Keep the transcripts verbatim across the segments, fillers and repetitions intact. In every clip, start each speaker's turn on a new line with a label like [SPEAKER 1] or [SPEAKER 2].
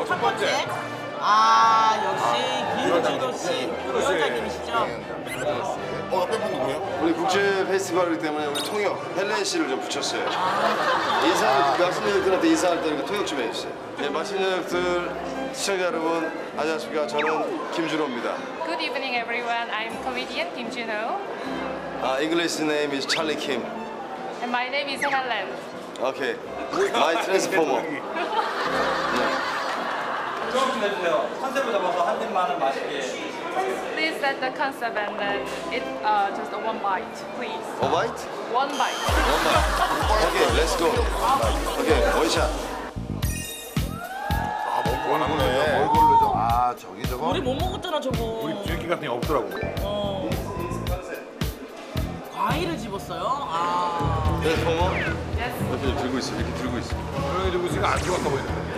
[SPEAKER 1] 첫 번째. 아, 역시 김준호 씨 위원장님이시죠?
[SPEAKER 2] 어, 옆에 분 누구예요?
[SPEAKER 3] 우리 국제 페스티벌이기 때문에 우리 통역 헬렌 씨를 좀 붙였어요. 인사를 맛있는 여러분한테 인사할 때는 통역 좀 해주세요. 네, 맛있는 여러분들 시청자 여러분 안녕하십니까? 저는 김준호입니다.
[SPEAKER 4] Good evening, everyone. I'm comedian Kim Junho,
[SPEAKER 3] 아, English name is Charlie Kim.
[SPEAKER 4] and my name is Helen.
[SPEAKER 3] Okay. My transformer.
[SPEAKER 5] 조금 좀 해주세요. 컨셉을 잡아서 한 입만은 맛있게.
[SPEAKER 4] Please set the concept and then it uh, just a one bite, please.
[SPEAKER 3] A bite?
[SPEAKER 4] One bite.
[SPEAKER 3] One bite. Okay, let's go. Okay, 원샷.
[SPEAKER 2] 아, 먹고 안 하네. 뭘 고르죠? 아, 저기 저거.
[SPEAKER 1] 우리 못 먹었잖아, 저거.
[SPEAKER 6] 우리 뒤집기 같은 게 없더라고.
[SPEAKER 1] 어. 과일을 집었어요? 아.
[SPEAKER 3] 트랜스포머?
[SPEAKER 4] Yes.
[SPEAKER 3] 옆에 들고 있어, 이렇게 들고 있어.
[SPEAKER 6] 조용히 들고 있으니까 안 좋았다 보이는데.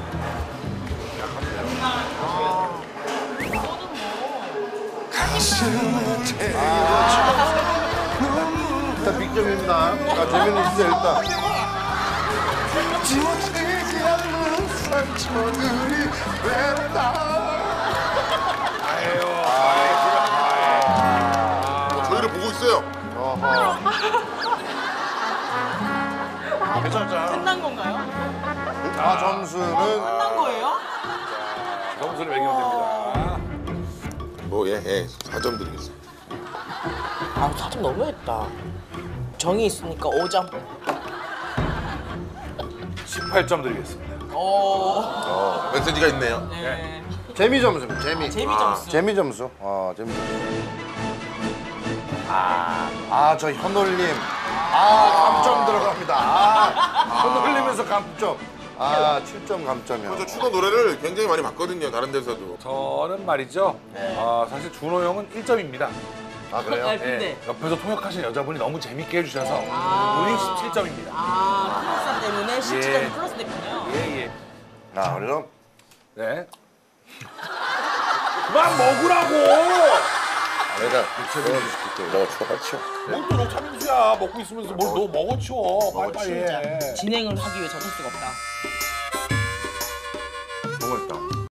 [SPEAKER 2] 일단 빅점입니다. 자, 재미는 있어요, 일단. 지워지지 않는 상처들이 됐다. 아, 저희를 보고 있어요. 어허. 괜찮잖아.
[SPEAKER 1] 끝난 건가요?
[SPEAKER 2] 아, 점수는.
[SPEAKER 1] 끝난 거예요?
[SPEAKER 6] 점수를 매기면 됩니다.
[SPEAKER 2] 뭐, 예, 예. 사 점 드리겠습니다.
[SPEAKER 1] 아, 사 점 너무했다. 정이 있으니까 오 점.
[SPEAKER 6] 십팔 점 드리겠습니다.
[SPEAKER 1] 오.
[SPEAKER 2] 어, 메시지가 있네요.
[SPEAKER 1] 네.
[SPEAKER 2] 재미 점수입니다, 재미.
[SPEAKER 1] 재미 점수.
[SPEAKER 2] 재미 점수. 어, 재미 점수. 아, 아, 저 현올림. 아, 감점 들어갑니다. 아, 현올림에서 감점. 아, 칠 점 감점이요.
[SPEAKER 7] 저 추노 노래를 굉장히 많이 봤거든요. 다른 데서도.
[SPEAKER 6] 저는 말이죠. 아, 사실 준호 형은 일 점입니다.
[SPEAKER 2] 아, 그래요?
[SPEAKER 1] 아, 근데.
[SPEAKER 6] 옆에서 통역하신 여자분이 너무 재밌게 해주셔서
[SPEAKER 1] 아.
[SPEAKER 6] 눈이 십칠 점입니다.
[SPEAKER 1] 아, 플러스 때문에 십칠 점이
[SPEAKER 6] 예.
[SPEAKER 1] 플러스 됐군요.
[SPEAKER 6] 예, 예.
[SPEAKER 2] 아, 그래서
[SPEAKER 6] 네. 그만 먹으라고!
[SPEAKER 7] 내가 너가 추가받죠.
[SPEAKER 6] 뭘또 녹차민수야. 먹고 있으면서 뭘 너 먹어 치워. 빨리빨리 해.
[SPEAKER 1] 진행을 하기 위해 저럴 수가 없다.